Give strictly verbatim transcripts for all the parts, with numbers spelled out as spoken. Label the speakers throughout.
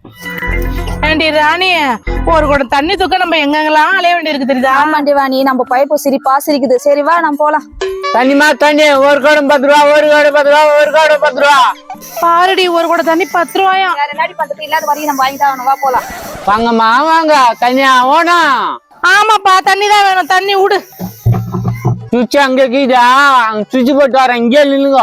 Speaker 1: ஏண்டி ராணி, ஒரு குடம் தண்ணி தூக்க நம்ம எங்கெங்கெல்லாம் அலைய வேண்டி இருக்கு தெரியுதா?
Speaker 2: ஆமாண்டி வாணி, நம்ம பைப்பு சிரிப்பா சிரிக்குது. சரி வா நம்ம போலாம்.
Speaker 3: தண்ணிமா தண்ணி ஒரு குடம் பத்து ரூபா, ஒரு குடம் பத்து ரூபா, ஒரு குடம் பத்து ரூபா.
Speaker 1: பாருடி, ஒரு குடம் தண்ணி பத்து ரூபாயா?
Speaker 2: வேற என்னடி பண்றது, இல்லாத வரையும் நம்ம வாங்கி தான் வா போலாம்.
Speaker 3: வாங்கம்மா வாங்க, தண்ணியா ஓனா?
Speaker 1: ஆமாப்பா, தண்ணி தான் வேணும், தண்ணி விடு.
Speaker 3: சுவிட்ச் அங்க கீதா, சுவிட்ச் போட்டு வரேன், இங்கே நில்லுங்க.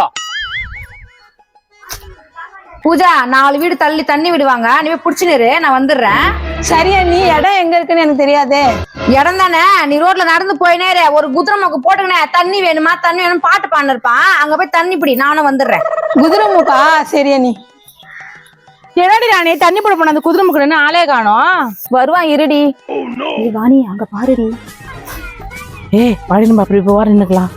Speaker 2: பூஜா, நாலு வீடு தள்ளி தண்ணி விடுவாங்க, நீ போய் புடிச்சுரு, நான் வந்துடுறேன்.
Speaker 4: சரியா, நீ இடம் எங்க இருக்குன்னு எனக்கு தெரியாதே.
Speaker 2: இடம் தானே, நீ ரோட்ல நடந்து போயினே ஒரு குதிரை மூக்கு போட்டுக்கினே தண்ணி வேணுமா தண்ணி வேணும் பாட்டு பாடிருப்பான், அங்க போய் தண்ணி பிடி, நானும் வந்துடுறேன்.
Speaker 4: குதிரை மூக்கா? சரியா நீ.
Speaker 1: என்னடி ராணி, தண்ணி போட போன அந்த குதிரை முக்கணுன்னு ஆளே காணோம்.
Speaker 2: வருவான் இருடி. வாணி அங்க பாருடி.
Speaker 1: ஏய் வாடி, நம்ம அப்படி போவா நின்னுக்கலாம்.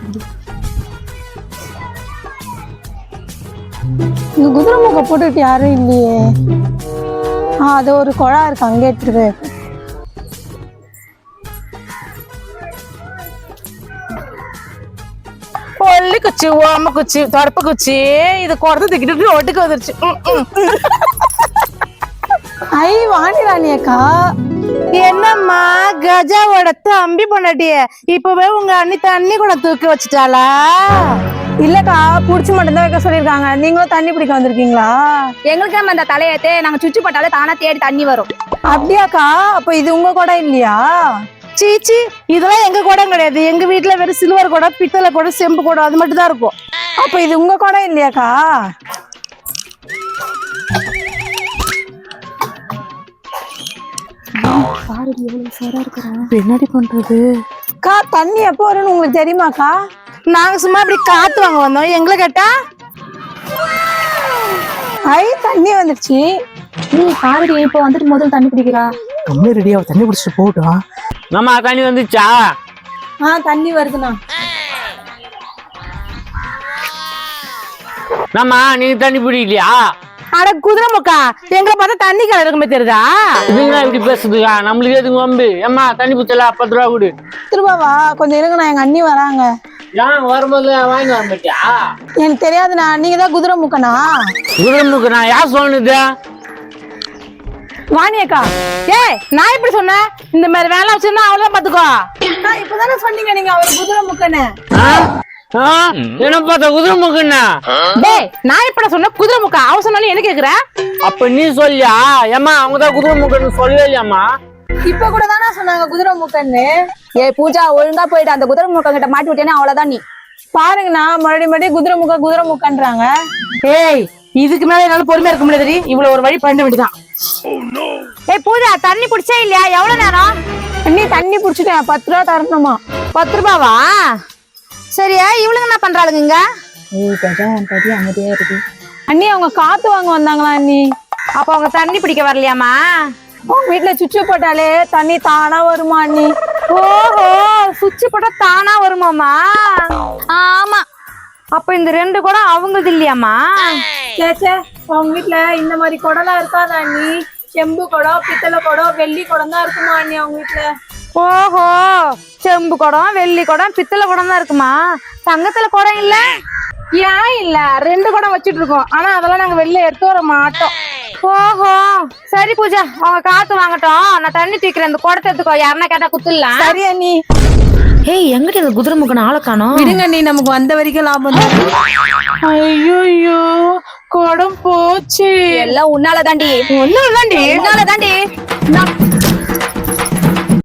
Speaker 4: இங்க குதிரை மூக்க போட்டுட்டு யாரும் இல்லையே. ஆஹ் அது ஒரு குழா இருக்கு, அங்கே எடுத்துட்டு போய்.
Speaker 1: ஒல்லி குச்சி, ஓம குச்சி, தொடப்பு குச்சி, இது குறத்து தூக்கிட்டு ஒட்டுக்கு வந்துருச்சு.
Speaker 4: ஐ வாணி ராணி அக்கா,
Speaker 1: என்னம்மா கஜாவோட தம்பி பொண்டாட்டிய இப்பவே உங்க அண்ணி தண்ணி கூட தூக்கி வச்சுட்டாளா?
Speaker 4: இல்லக்கா, புடிச்சு மட்டும் தான் வைக்க சொல்லிருக்காங்க. நீங்களும் தண்ணி பிடிக்க வந்திருக்கீங்களா?
Speaker 2: எங்களுக்கு நம்ம அந்த தலையத்தே நாங்க சுற்றி போட்டாலே தானா தேடி தண்ணி வரும்.
Speaker 4: அப்படியாக்கா? அப்ப இது உங்க கூட இல்லையா?
Speaker 1: சீச்சி, இதெல்லாம் எங்க குடம் கிடையாது. எங்க வீட்டுல வெறும் சில்வர் குடம், பித்தளை குடம், செம்பு குடம், அது மட்டும் தான் இருக்கும்.
Speaker 4: அப்ப இது உங்க கூட இல்லையாக்கா?
Speaker 1: என்னடி பண்றது?
Speaker 4: அக்கா, தண்ணி எப்போ வரும்னு உங்களுக்கு தெரியுமாக்கா?
Speaker 1: நாங்க சும்மா இப்படி காத்து வாங்க வந்தோம், எங்களை கேட்டா
Speaker 4: ஐ தண்ணி வந்துருச்சு.
Speaker 2: நீ பாருடி, இப்ப வந்துட்டு முதல்ல தண்ணி பிடிக்கிறா.
Speaker 1: ரொம்ப ரெடியா தண்ணி பிடிச்சிட்டு போகட்டும்.
Speaker 3: நம்ம தண்ணி வந்துச்சா?
Speaker 4: ஆஹ் தண்ணி வருதுண்ணா.
Speaker 3: நம்ம நீங்க தண்ணி பிடிக்கலையா?
Speaker 1: அட குதிரை முக்கா, எங்களை பார்த்தா தண்ணி கலர் இருக்குமே தெரியுதா?
Speaker 3: இதுங்களா இப்படி பேசுதுக்கா, நம்மளுக்கு எதுங்க வம்பு? ஏம்மா தண்ணி பிடிச்சல பத்து ரூபா கொடு.
Speaker 4: திருபாவா கொஞ்சம் இருங்கண்ணா, எங்க அண்ணி வராங்க.
Speaker 3: ஏன் வரும்போது வாங்கி வர மாட்டியா?
Speaker 4: எனக்கு தெரியாதுண்ணா, நீங்க தான் குதிரை மூக்கனா?
Speaker 3: குதிரமுக்கு நான் யார் சொன்னது?
Speaker 4: வாணி அக்கா.
Speaker 1: ஏய், நான் எப்படி சொன்னேன்? இந்த மாதிரி வேலை வச்சிருந்தா அவ்வளவுதான் பாத்துக்கோ.
Speaker 4: நான் இப்பதானே சொன்னீங்க நீங்க அவர் குதிரை மூக்கன்னு.
Speaker 3: என்ன பார்த்தா குதிரமுக்குன்னா?
Speaker 1: டேய், நான் எப்படி சொன்ன குதிரை முக்கா? அவ சொன்னாலும் என்ன கேக்குற?
Speaker 3: அப்ப நீ சொல்லியா? ஏமா அவங்கதான் குதிரமுக்குன்னு சொல்லவே இல்லையாமா?
Speaker 4: இப்ப கூட தானே சொன்னாங்க குதிரை மூக்கன்னு.
Speaker 2: ஏ பூஜா, ஒழுங்கா போயிட்டு அந்த குதிரை மூக்க கிட்ட மாட்டி விட்டேன்னா அவ்வளவுதான். நீ
Speaker 4: பாருங்கண்ணா, மறுபடியும் மறுபடியும் குதிரை மூக்க குதிரை மூக்கன்றாங்க.
Speaker 1: ஏய், இதுக்கு மேல என்னால பொறுமையா இருக்க முடியாது. இவ்வளவு ஒரு வழி பண்ண வேண்டியதான்.
Speaker 2: ஏய் பூஜா, தண்ணி பிடிச்சா இல்லையா? எவ்வளவு நேரம்?
Speaker 4: அண்ணி தண்ணி புடிச்சிட்டேன், பத்து ரூபா தரணுமா?
Speaker 2: பத்து ரூபாவா? சரியா, இவளுங்க என்ன பண்றாளுங்க இங்க?
Speaker 4: அண்ணி அவங்க காத்து வாங்க வந்தாங்களா அண்ணி?
Speaker 2: அப்ப அவங்க தண்ணி பிடிக்க வரலையாமா?
Speaker 4: உங்க வீட்டுல சுவிட்ச் போட்டாலே தண்ணி தானா வருமா அண்ணி?
Speaker 2: ஓஹோ, சுவிட்ச் போட்டா தானா வருமாமா? ஆமா. அப்ப இந்த ரெண்டு குடம் அவங்களது இல்லையாமா?
Speaker 4: சேச்சே, உங்க வீட்டுல இந்த மாதிரி குடம்லாம் இருக்காதா அண்ணி? செம்பு குடம், பித்தளை குடம், வெள்ளி குடம் தான் இருக்குமா அண்ணி அவங்க வீட்டுல?
Speaker 2: ஓஹோ, செம்பு குடம், வெள்ளி குடம், பித்தளை குடம் தான் இருக்குமா? தங்கத்துல குடம் இல்ல?
Speaker 1: ஏன் இல்ல, ரெண்டு குடம் வச்சிட்டு இருக்கோம். ஆனா அதெல்லாம் நாங்க வெளில எடுத்து வர மாட்டோம்.
Speaker 2: ஓஹோ, சரி பூஜா, அவங்க காத்து வாங்கட்டும், நான் தண்ணி தூக்கிறேன். இந்த குடத்தை எடுத்துக்கோ, யாருன்னா கேட்டா குத்துடலாம்.
Speaker 4: சரி அண்ணி.
Speaker 2: ஏய், எங்கிட்ட இந்த குதிரை முக்கன ஆளை காணோம்.
Speaker 4: விடுங்க அண்ணி, நமக்கு வந்த வரைக்கும் லாபம் தான்.
Speaker 1: ஐயோ, குடம் போச்சு.
Speaker 2: எல்லாம் உன்னால தாண்டி,
Speaker 1: ஒண்ணும் தாண்டி
Speaker 2: உன்னால தாண்டி.